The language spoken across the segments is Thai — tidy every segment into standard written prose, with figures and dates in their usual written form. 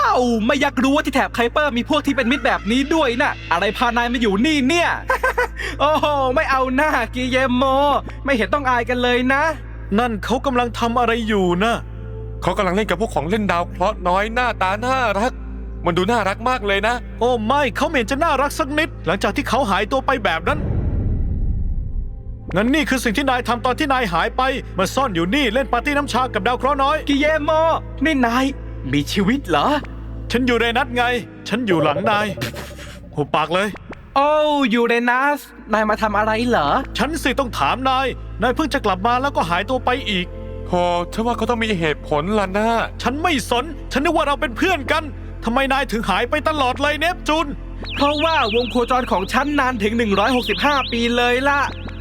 าวไม่อยากรู้ว่าที่แถบไคเปอร์มีพวกที่เป็นมิตรแบบนี้ด้วยนะอะไรพานายมาอยู่นี่เนี่ย โอ้โหไม่เอาหน้ากิเยโมไม่เห็นต้องอายกันเลยนะนั่นเขากำลังทำอะไรอยู่นะเขากำลังเล่นกับพวกของเล่นดาวเคราะห์น้อยหน้าตาน่ารักมันดูน่ารักมากเลยนะโอ้ไม่เขาไม่เห็นจะน่ารักสักนิด หลังจากที่เขาหายตัวไปแบบนั้นงั้นนี่คือสิ่งที่นายทำตอนที่นายหายไปมาซ่อนอยู่นี่เล่นปาร์ตี้น้ำชากับดาวเคราะห์น้อยกิเยโมนี่นายมีชีวิตเหรอฉันอยู่ในนัดไง ฉันอยู่หลังนายหุบปากเลยโอ้ยูเรนัสนายมาทำอะไรเหรอฉันสิต้องถามนายเพิ่งจะกลับมาแล้วก็หายตัวไปอีกโธ่ฉันว่าเขาต้องมีเหตุผลล่ะนะฉันไม่สน ฉันนึกว่าเราเป็นเพื่อนกันทำไมนายถึงหายไปตลอดเลยเนปจูนเพราะว่าวงโคจรของฉันนานถึง165 ปีเลยล่ะ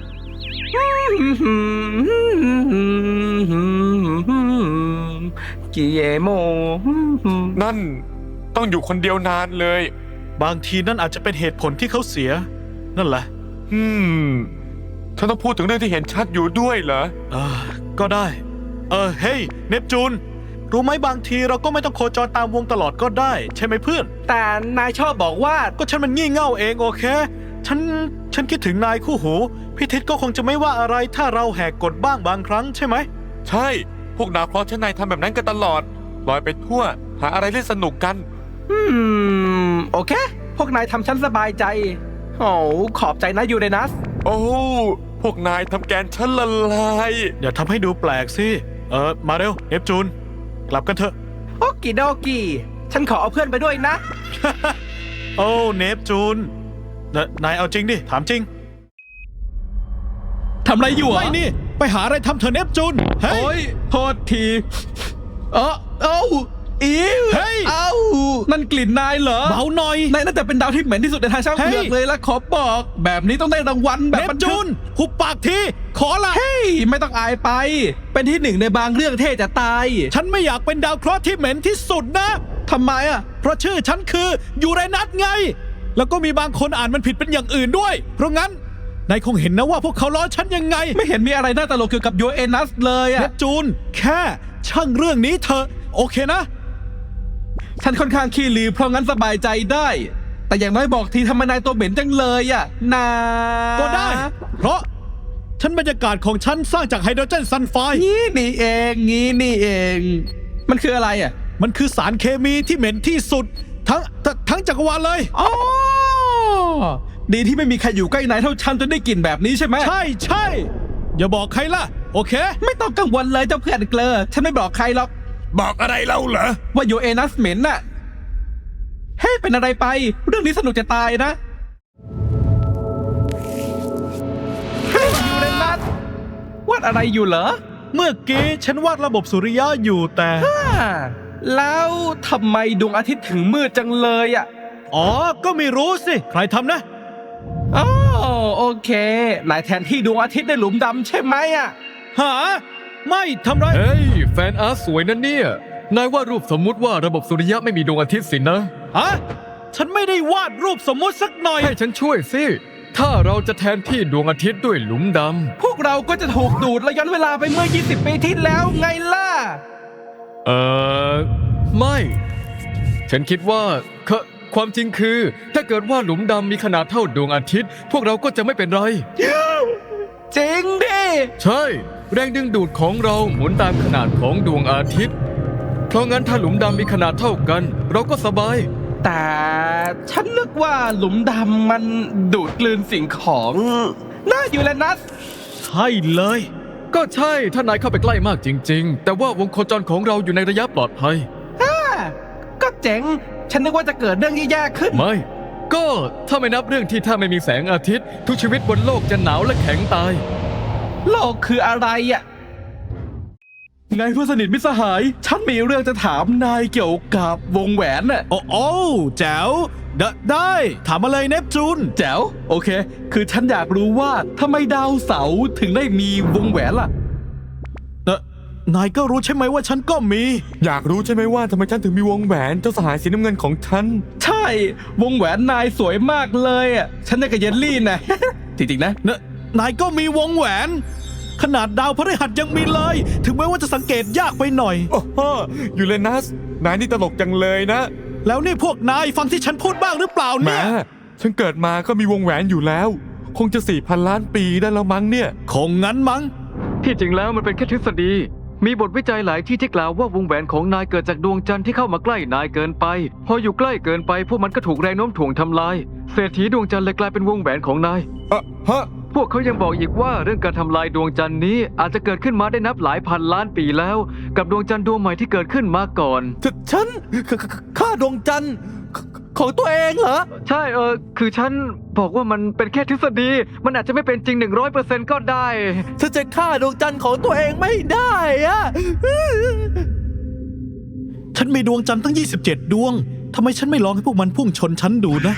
กิเยโมนั่นต้องอยู่คนเดียวนานเลยบางทีนั่นอาจจะเป็นเหตุผลที่เขาเสีย นั่นแหละฉันต้องพูดถึงเรื่องที่เห็นชัดอยู่ด้วยเหรอก็ได้ เฮ้ยเนปจูน รู้ไหมบางทีเราก็ไม่ต้องโคจรตามวงตลอดก็ได้ ใช่ไหมเพื่อนแต่นายชอบบอกว่าก็ฉันมันงี่เง่าเองโอเค ฉันคิดถึงนายคู่หู พี่ทิศก็คงจะไม่ว่าอะไรถ้าเราแหกกฎบ้างบางครั้งใช่ไหมใช่พวกดาวเคราะห์ชั้นในทำแบบนั้นกันตลอดลอยไปทั่วหาอะไรเล่นสนุกกันโอเค พวกนายทำฉันสบายใจ โอ้ขอบใจนะยูเรนัสโอ้พวกนายทำแกนฉันละลายอย่าทำให้ดูแปลกสิ มาเร็วเนปจูน กลับกันเถอะโอกิโดกิฉันขอเอาเพื่อนไปด้วยนะโอ้เนปจูน นายเอาจริงดิ ถามจริงทำอะไรอยู่อ่ะไม่นี่ ไปหาอะไรทำเถอะเนปจูน เฮ้โอ้ยยโทษทีเอ้าอีเฮ้ยเอ้านั่นกลิ่นนายเหรอเบาหน่อยนายน่าจะเป็นดาวที่เหม็นที่สุดในทางช่างเผือกเฮ้ยเลยละขอบอก แบบนี้ต้องได้รางวัลแบบเนปบันจูทึกน หุบปากที ขอละเฮ้ยไม่ต้องอายไป เป็นที่หนึ่งในบางเรื่องเท่จะตายฉันไม่อยากเป็นดาวเคราะห์ที่เหม็นที่สุดนะทำไมอ่ะเพราะชื่อฉันคือยูเรนัสไง แล้วก็มีบางคนอ่านมันผิดเป็นอย่างอื่นด้วย เพราะงั้น นายคงเห็นนะว่าพวกเขาล้อฉันยังไงไม่เห็นมีอะไรน่าตลกเกี่ยวกับยูเอนัสเลยเนอ่ะปจูน แค่ช่างเรื่องนี้เถอะโอเคนะฉันค่อนข้างขี้ลือเพราะงั้นสบายใจได้ แต่อย่างน้อยบอกทีทำไมนายตัวเหม็นจังเลยอ่ะนาก็ได้ เพราะฉันบรรยากาศของฉันสร้างจากไฮโดรเจนซัลไฟด์งี้นี่เองงี้นี่เอง มันคืออะไรอ่ะมันคือสารเคมีที่เหม็นที่สุด ทั้งจักรวาลเลยอ๋อดีที่ไม่มีใครอยู่ใกล้นายเท่าฉันจนได้กลิ่นแบบนี้ใช่ไหมใช่ อย่าบอกใครล่ะ โอเคไม่ต้องกังวลเลยเจ้าเพื่อนเกลอฉันไม่บอกใครหรอกบอกอะไรเราเหรอว่ายูเอนัสเหม็นน่ะเฮ้ยเป็นอะไรไป เรื่องนี้สนุกจะตายนะเฮ้ยยูเรนัสวาดอะไรอยู่เหรอเมื่อกี้ฉันวาดระบบสุริยะอยู่แต่แล้วทำไมดวงอาทิตย์ถึงมืดจังเลยอ่ะอ๋อ ก็ไม่รู้สิ ใครทำนะอ๋อโอเคนายแทนที่ดวงอาทิตย์ในหลุมดำใช่ไหมอ่ะหา ไม่ทำไรเฮ้ย แฟนอาร์ตสวยนะเนี่ย นายวาดรูปสมมุติว่าระบบสุริยะไม่มีดวงอาทิตย์สินะฮะ ฉันไม่ได้วาดรูปสมมุติสักหน่อยให้ฉันช่วยสิ ถ้าเราจะแทนที่ดวงอาทิตย์ด้วยหลุมดพวกเราก็จะถูกดูดและย้อนเวลาไปเมื่อ 20 ปีที่แล้วไงล่ะำไม่ ฉันคิดว่าความจริงคือ ถ้าเกิดว่าหลุมดำมีขนาดเท่าดวงอาทิตย์ พวกเราก็จะไม่เป็นไรจริงดิใช่ แรงดึงดูดของเราหมุนตามขนาดของดวงอาทิตย์ เพราะงั้นถ้าหลุมดำมีขนาดเท่ากัน เราก็สบายแต่ฉันนึกว่าหลุมดำมันดูดกลืนสิ่งของน่ายูเรนัสใช่เลยก็ใช่ถ้านายเข้าไปใกล้มากจริง ๆ แต่ว่าวงโคจรของเราอยู่ในระยะปลอดภัยก็เจ๋ง ฉันนึกว่าจะเกิดเรื่องแย่ๆขึ้นไม่ ก็ถ้าไม่นับเรื่องที่ถ้าไม่มีแสงอาทิตย์ ทุกชีวิตบนโลกจะหนาวและแข็งตายโลกคืออะไรอ่ะ ไงเพื่อนสนิทมิตรสหาย ฉันมีเรื่องจะถามนายเกี่ยวกับวงแหวนน่ะโอ้แจ๋วได้ ถามมาเลยเนปจูนแจ๋ว โอเค คือฉันอยากรู้ว่าทำไมดาวเสาร์ถึงได้มีวงแหวนล่ะนายก็รู้ใช่ไหมว่าฉันก็มีอยากรู้ใช่ไหมว่าทำไมฉันถึงมีวงแหวนเจ้าสหายสีน้ำเงินของฉันใช่ วงแหวนนายสวยมากเลยอ่ะ ฉันได้กับเยลลี่นะ จริงๆนะนายก็มีวงแหวน ขนาดดาวพฤหัสยังมีเลย ถึงแม้ว่าจะสังเกตยากไปหน่อยโอ้โหยูเรนัสนายนี่ตลกจังเลยนะแล้วนี่พวกนายฟังที่ฉันพูดบ้างหรือเปล่าแหมเนี่ยฉันเกิดมาก็มีวงแหวนอยู่แล้ว คงจะ 4,000 ล้านปีได้แล้วมั้งเนี่ยคงงั้นมั้งที่จริงแล้วมันเป็นแค่ทฤษฎี มีบทวิจัยหลายที่กล่าวว่าวงแหวนของนายเกิดจากดวงจันทร์ที่เข้ามาใกล้นายเกินไป พออยู่ใกล้เกินไปพวกมันก็ถูกแรงโน้มถ่วงทำลาย เศรษฐีดวงจันทร์เลยกลายเป็นวงแหวนของนายฮะพวกเขายังบอกอีกว่าเรื่องการทำลายดวงจันทร์นี้อาจจะเกิดขึ้นมาได้นับหลายพันล้านปีแล้ว กับดวงจันทร์ดวงใหม่ที่เกิดขึ้นมาก่อนฉันฆ่าดวงจันทร์ของตัวเองเหรอใช่คือฉันบอกว่ามันเป็นแค่ทฤษฎี มันอาจจะไม่เป็นจริง 100% ก็ได้ฉันจะฆ่าดวงจันทร์ของตัวเองไม่ได้อะฉันมีดวงจันทร์ตั้ง 27 ดวงทำไมฉันไม่ลองให้พวกมันพุ่งชนฉันดูนะ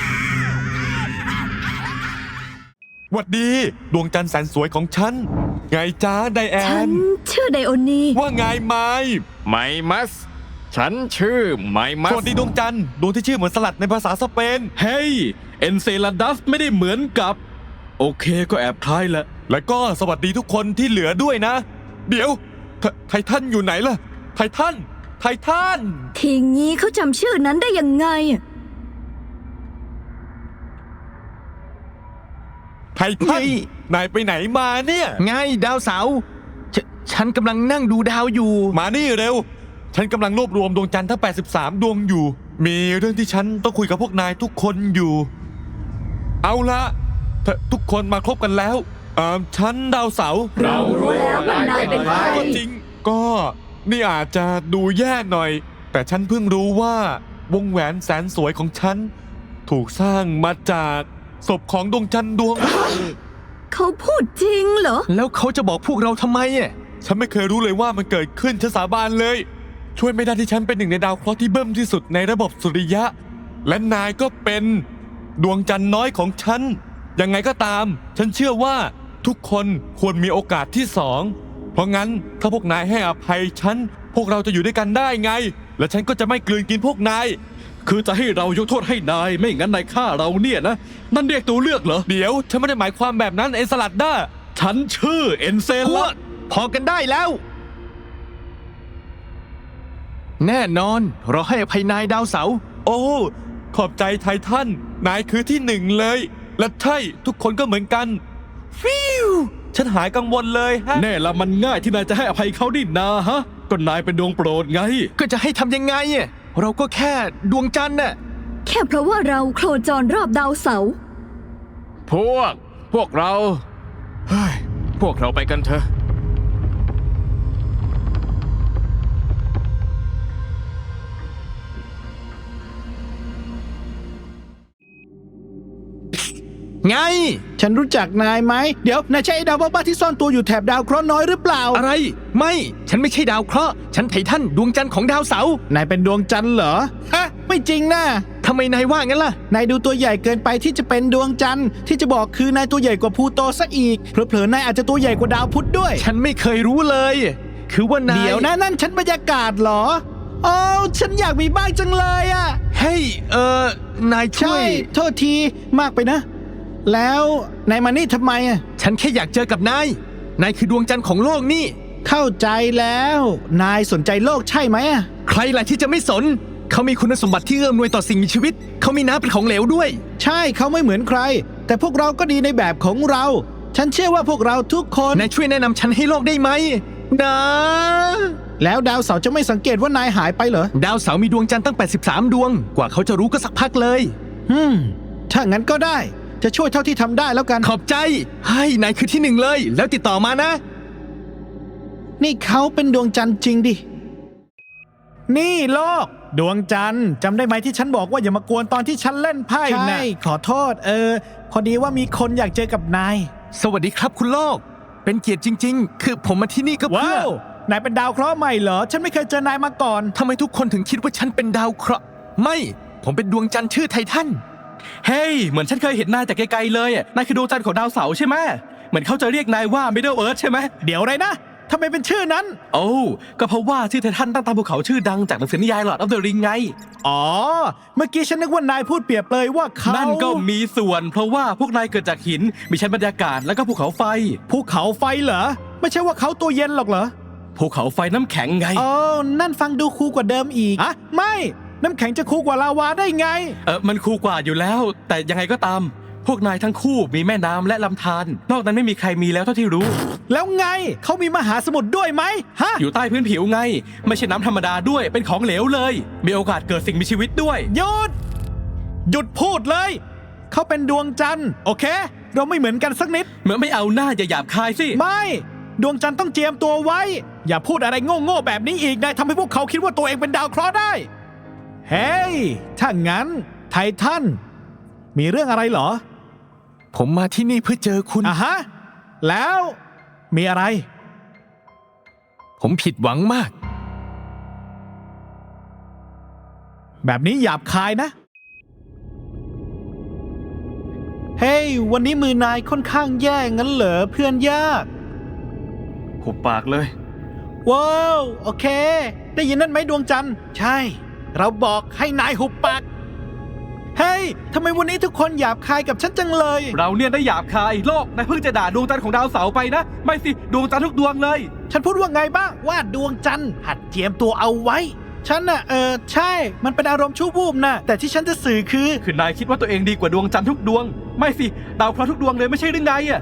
หวัดดีดวงจันทร์แสนสวยของฉัน ไงจ้าไดแอฉันนชื่อไดโอนีว่าไงไมไมมัส ฉันชื่อไมมัสสวัสดีดวงจันทร์ดวงที่ชื่อเหมือนสลัดในภาษาสเปนเฮ้ย เอนเซลาดัสไม่ได้เหมือนกับ โอเคก็แอบคล้ายแหละและก็สวัสดีทุกคนที่เหลือด้วยนะ เดี๋ยวไททันอยู่ไหนล่ะ ไททัน ไททันทีงี้เขาจำชื่อนั้นได้ยังไงไททัน นายไปไหนมาเนี่ยไงดาวเสาร์ฉันกำลังนั่งดูดาวอยู่มานี่เร็ว ฉันกำลังรวบรวมดวงจันทร์ทั้ง 83 ดวงอยู่ มีเรื่องที่ฉันต้องคุยกับพวกนายทุกคนอยู่ เอาละทุกคนมาครบกันแล้วฉันดาวเสาร์เรารู้แล้วว่านายเป็นใครก็จริง ก็นี่อาจจะดูแย่หน่อย แต่ฉันเพิ่งรู้ว่าวงแหวนแสนสวยของฉัน ถูกสร้างมาจากศพของดวงจันทร์ดวงเขาพูดจริงเหรอแล้วเขาจะบอกพวกเราทำไมอ่ะฉันไม่เคยรู้เลยว่ามันเกิดขึ้นฉันสาบานเลย ช่วยไม่ได้ที่ฉันเป็นหนึ่งในดาวเคราะห์ที่เบิ่มที่สุดในระบบสุริยะ และนายก็เป็นดวงจันทร์น้อยของฉัน ยังไงก็ตาม ฉันเชื่อว่าทุกคนควรมีโอกาสที่สอง เพราะงั้นถ้าพวกนายให้อภัยฉัน พวกเราจะอยู่ด้วยกันได้ไง และฉันก็จะไม่กลืนกินพวกนายคือจะให้เรายกโทษให้นาย ไม่งั้นนายฆ่าเราเนี่ยนะ นั่นเรียกตัวเลือกเหรอเดี๋ยวฉันไม่ได้หมายความแบบนั้นเอ็นสลัดด้าฉันชื่อเอนเซพวลากพอกันได้แล้ว แน่นอนเราให้อภัยนายดาวเสาร์โอ้ ขอบใจไททัน นายคือที่หนึ่งเลย และใช่ทุกคนก็เหมือนกัน ฟิวฉันหายกังวลเลยฮะแน่ละมันง่ายที่นายจะให้อภัยเขาดินาฮะ ก็นายเป็นดวงโปรดไงก็จะให้ทำยังไงอ่ะเราก็แค่ดวงจันทร์น่ะแค่เพราะว่าเราโคจรรอบดาวเสาร์พวกเราเฮ้ยพวกเราไปกันเถอะไงฉันรู้จักนายไหม เดี๋ยวนายใช่ไอ้ดาวบ้าๆที่ซ่อนตัวอยู่แถบดาวเคราะห์น้อยหรือเปล่าอะไร ไม่ ฉันไม่ใช่ดาวเคราะห์ ฉันไททันดวงจันทร์ของดาวเสาร์นายเป็นดวงจันทร์เหรอ ฮะ ไม่จริงนะทำไมนายว่างั้นล่ะนายดูตัวใหญ่เกินไปที่จะเป็นดวงจันทร์ที่จะบอกคือนายตัวใหญ่กว่าพลูโตซะอีก เผลอๆนายอาจจะตัวใหญ่กว่าดาวพุธด้วยฉันไม่เคยรู้เลย คือว่านายเดี๋ยวนะนั่นฉันบรรยากาศเหรอโอ้ฉันอยากมีบ้างจังเลยอะเฮ้ย นายช่ใช่วยโทษทีมากไปนะ แล้วนายมานี่ทำไมอะฉันแค่อยากเจอกับนาย นายคือดวงจันทร์ของโลกนี่เข้าใจแล้ว นายสนใจโลกใช่ไหมอะใครล่ะที่จะไม่สน เขามีคุณสมบัติที่เอื้อมหน่วยต่อสิ่งมีชีวิต เขามีน้ำเป็นของเหลวด้วยใช่เขาไม่เหมือนใคร แต่พวกเราก็ดีในแบบของเรา ฉันเชื่อว่าพวกเราทุกคนนายช่วยแนะนำฉันให้โลกได้ไหมนะแล้วดาวเสาร์จะไม่สังเกตว่านายหายไปเหรอดาวเสาร์มีดวงจันทร์ตั้ง 83 ดวง กว่าเขาจะรู้ก็สักพักเลยถ้างั้นก็ได้ จะช่วยเท่าที่ทำได้แล้วกันขอบใจให้นายคือที่หนึ่งเลย แล้วติดต่อมานะนี่เขาเป็นดวงจันทร์จริงดิ นี่โลก ดวงจันทร์จำได้ไหมที่ฉันบอกว่าอย่ามากวนตอนที่ฉันเล่นไพ่นะใช่ขอโทษพอดีว่ามีคนอยากเจอกับนายสวัสดีครับคุณโลก เป็นเกียรติจริง ๆ คือผมมาที่นี่ก็เพื่ว้าว นายเป็นดาวเคราะห์ใหม่เหรอ ฉันไม่เคยเจอนายมาก่อนทำไมทุกคนถึงคิดว่าฉันเป็นดาวเคราะห์ไม่ ผมเป็นดวงจันทร์ชื่อไททันเฮ้ย เหมือนฉันเคยเห็นนายแต่ไกลๆเลยนายคือดวงจันทร์ของดาวเสาร์ใช่ไหม เหมือนเขาจะเรียกนายว่า Middle Earth ใช่ไหมเดี๋ยวอะไรนะทำไมเป็นชื่อนั้นโอ้ก็เพราะว่าชื่อไททันตั้งตามภูเขาชื่อดังจากหนังสือนิยาย Lord of the Ring ไงอ๋อ เมื่อกี้ฉันนึกว่านายพูดเปรียบเลยว่าเขานั่นก็มีส่วน เพราะว่าพวกนายเกิดจากหิน มีชั้นบรรยากาศแล้วก็ภูเขาไฟภูเขาไฟเหรอ ไม่ใช่ว่าเขาตัวเย็นหรอกเหรอภูเขาไฟน้ำแข็งไงโอ้นั่นฟังดูคูลกว่าเดิมอีกอะไม่ น้ำแข็งจะคูลกว่าลาวาได้ไงมันคูลกว่าอยู่แล้ว แต่ยังไงก็ตาม พวกนายทั้งคู่มีแม่น้ำและลำธารนอกนั้นไม่มีใครมีแล้วเท่าที่รู้แล้วไงเขามีมหาสมุทรด้วยไหมฮะอยู่ใต้พื้นผิวไง ไม่ใช่น้ำธรรมดาด้วยเป็นของเหลวเลย มีโอกาสเกิดสิ่งมีชีวิตด้วยหยุดพูดเลย เขาเป็นดวงจันทร์โอเค เราไม่เหมือนกันสักนิดเหมือนไม่เอาหน้าอย่าหยาบคายสิไม่ ดวงจันทร์ต้องเจียมตัวไว้ อย่าพูดอะไรโง่ๆแบบนี้อีกนายทำให้พวกเขาคิดว่าตัวเองเป็นดาวเคราะห์ได้ เฮ้ย ถ้างั้น ไททัน มีเรื่องอะไรเหรอผมมาที่นี่เพื่อเจอคุณอ่ะฮะ แล้วมีอะไรผมผิดหวังมากแบบนี้หยาบคายนะ เฮ้ย วันนี้มือนายค่อนข้างแย่งั้นเหรอเพื่อนยากหุบปากเลยว้าว โอเค ได้ยินนั่นไหมดวงจันทร์ ใช่ เราบอกให้นายหุบปาก เฮ้ย ทำไมวันนี้ทุกคนหยาบคายกับฉันจังเลยเราเนี่ยได้หยาบคายโลกนายเพิ่งจะด่าดวงจันทร์ของดาวเสาร์ไปนะ ไม่สิดวงจันทร์ทุกดวงเลยฉันพูดว่าไงบ้างว่าดวงจันทร์หัดเจียมตัวเอาไว้ ฉันน่ะใช่ มันเป็นอารมณ์ชั่ววูบนะแต่ที่ฉันจะสื่อคือคือนายคิดว่าตัวเองดีกว่าดวงจันทร์ทุกดวง ไม่สิดาวเคราะห์ทุกดวงเลยไม่ใช่หรือไงอะ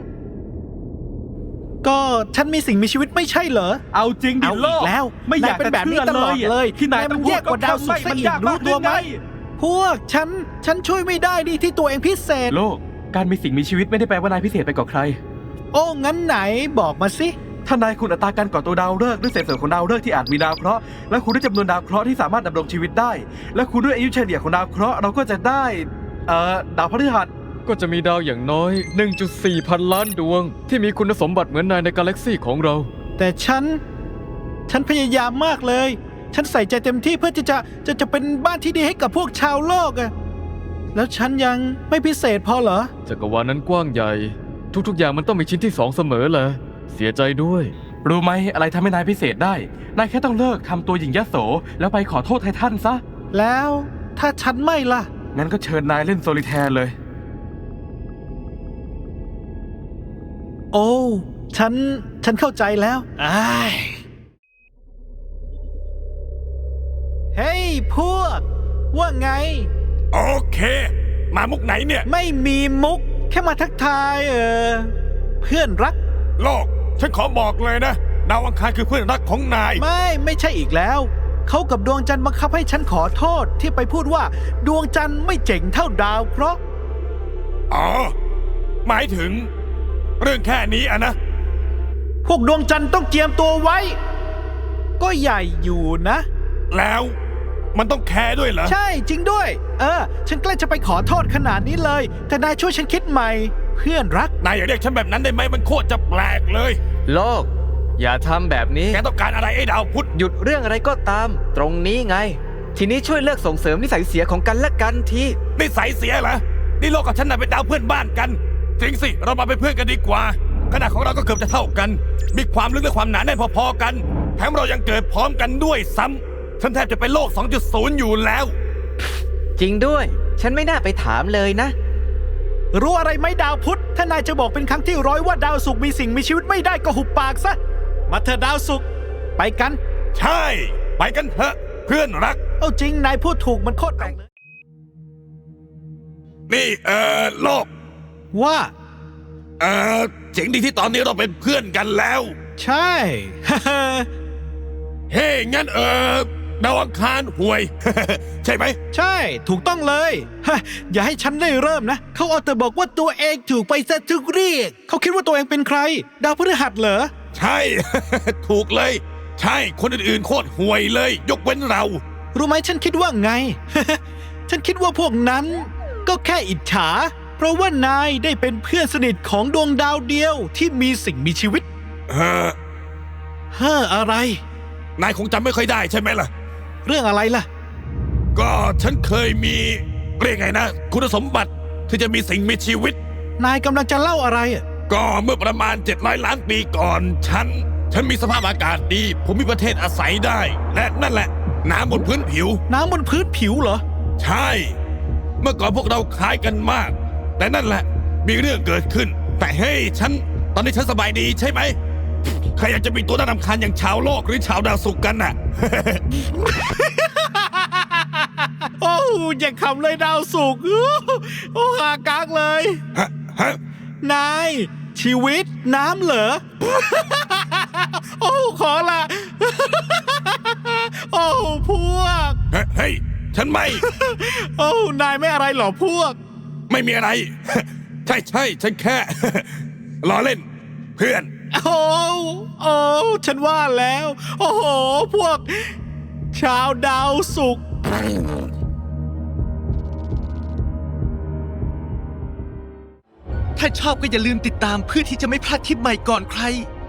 ก็ฉันมีสิ่งมีชีวิตไม่ใช่เหรอเอาจริงดิเอาโลอีกกแล้วไม่อยากนายเป็นแบบนี้จะตลอดเลยที่นายนายมัต้อน งแย่กว่าดาวศุกร์ซะอีกมันยากรู้ตัวไหมากพวกฉันช่วยไม่ได้ดิที่ตัวเองพิเศษโลกการมีสิ่งมีชีวิตไม่ได้แปลว่านายพิเศษไปกว่าใครโอ้งั้นไหนบอกมาสิถ้านายคุณอัตราการก่อตัวดาวฤกษ์ด้วยเศษส่วนของดาวฤกษ์ที่อาจมีดาวเคราะห์และคูณด้วยจำนวนดาวเคราะห์ที่สามารถดำรงชีวิตได้ และคูณด้วยอายุเฉลี่ยของดาวเคราะห์เราก็จะได้ดาวพฤหัสก็จะมีดาวอย่างน้อย 1.4 พันล้านดวง ที่มีคุณสมบัติเหมือนนายในกาแล็กซี่ของเราแต่ฉันพยายามมากเลย ฉันใส่ใจเต็มที่เพื่อจะเป็นบ้านที่ดีให้กับพวกชาวโลกอะแล้วฉันยังไม่พิเศษพอเหรอจักรวาลนั้นกว้างใหญ่ ทุกๆอย่างมันต้องมีชิ้นที่2เสมอแหละเสียใจด้วยรู้ไหมอะไรทำให้นายพิเศษได้ นายแค่ต้องเลิกทำตัวหญิงยโสแล้วไปขอโทษไททันซะแล้วถ้าฉันไม่ล่ะงั้นก็เชิญนายเล่นโซลิแทร์เลยโอ้ฉันเข้าใจแล้วเฮ้ยพวก ว่าไงโอเค มามุกไหนเนี่ยไม่มีมุก แค่มาทักทายเพื่อนรักโลก ฉันขอบอกเลยนะ ดาวอังคารคือเพื่อนรักของนายไม่ใช่อีกแล้ว เขากับดวงจันทร์บังคับให้ฉันขอโทษที่ไปพูดว่าดวงจันทร์ไม่เจ๋งเท่าดาวเพราะอ๋อ หมายถึง เรื่องแค่นี้อะนะพวกดวงจันทร์ต้องเจียมตัวไว้ ก็ใหญ่อยู่นะแล้วมันต้องแคร์ด้วยเหรอใช่จริงด้วย ฉันใกล้จะไปขอโทษขนาดนี้เลย แต่นายช่วยฉันคิดใหม่ เพื่อนรักนายอย่าเรียกฉันแบบนั้นได้ไหมมันโคตรจะแปลกเลยโลก อย่าทำแบบนี้แกต้องการอะไรไอ้ดาวพุธหยุดเรื่องอะไรก็ตาม ตรงนี้ไง ทีนี้ช่วยเลิกส่งเสริมนิสัยเสียของกันและกันทีนิสัยเสียเหรอ นี่โลกกับฉันน่ะเป็นดาวเพื่อนบ้านกัน จริงสิ เรามาเป็นเพื่อนกันดีกว่า ขนาดของเราก็เกือบจะเท่ากัน มีความลึกและความหนาแน่นพอๆกัน แถมเรายังเกิดพร้อมกันด้วยซ้ำฉันแทบจะเป็นโลก 2.0 อยู่แล้วจริงด้วย ฉันไม่น่าไปถามเลยนะรู้อะไรไหมดาวพุธ ถ้านายจะบอกเป็นครั้งที่100ว่าดาวศุกร์มีสิ่งมีชีวิตไม่ได้ก็หุบปากซะ มาเถอะดาวศุกร์ไปกันใช่ ไปกันเถอะเพื่อนรักเอาจริงนายพูดถูกมันโคตรแปลกเลยนี่โลกว่าเจ๋งดีที่ตอนนี้เราเป็นเพื่อนกันแล้วใช่เฮ้ยงั้นดาวอังคารห่วย ใช่ไหมใช่ถูกต้องเลยฮะอย่าให้ฉันได้เริ่มนะ เขาเอาแต่บอกว่าตัวเองถูกไปซะทุกเรียกเขาคิดว่าตัวเองเป็นใคร ดาวพฤหัสเหรอใช่ ถูกเลย ใช่คนอื่นๆโคตรห่วยเลย ยกเว้นเรารู้ไหมฉันคิดว่าไง ฉันคิดว่าพวกนั้นก็แค่อิจฉา เพราะว่านายได้เป็นเพื่อนสนิทของดวงดาวเดียวที่มีสิ่งมีชีวิต อะไรนายคงจำไม่ค่อยได้ใช่ไหมล่ะเรื่องอะไรล่ะก็ฉันเคยมีเรียกไงนะ คุณสมบัติที่จะมีสิ่งมีชีวิตนายกำลังจะเล่าอะไรอะก็เมื่อประมาณ700 ล้านปีก่อน ฉันมีสภาพอากาศดี ผมมีประเทศอาศัยได้ และนั่นแหละ น้ำบนพื้นผิวน้ำบนพื้นผิวเหรอใช่ เมื่อก่อนพวกเราคล้ายกันมาก แต่นั่นแหละ มีเรื่องเกิดขึ้น แต่เฮ้ยตอนนี้ฉันสบายดีใช่ไหมใครอยากจะมีตัวน่ารำคาญอย่างชาวโลกหรือชาวดาวศุกร์กันน่ะโอ้อย่าขำเลยดาวสุกร์โอ้หากากเลยฮะนาย ชีวิตน้ำเหรอ โอ้ขอละ โอ้พวกเฮ้ย ฉันไม่โอ้นายไม่อะไรเหรอพวกไม่มีอะไร ใช่ฉันแค่ ล้อเล่น เพื่อนโอ้ฉันว่าแล้ว โอ้โห พวก ชาวดาวสุกร์ถ้าชอบก็อย่าลืมติดตามเพื่อที่จะไม่พลาดคลิปใหม่ก่อนใคร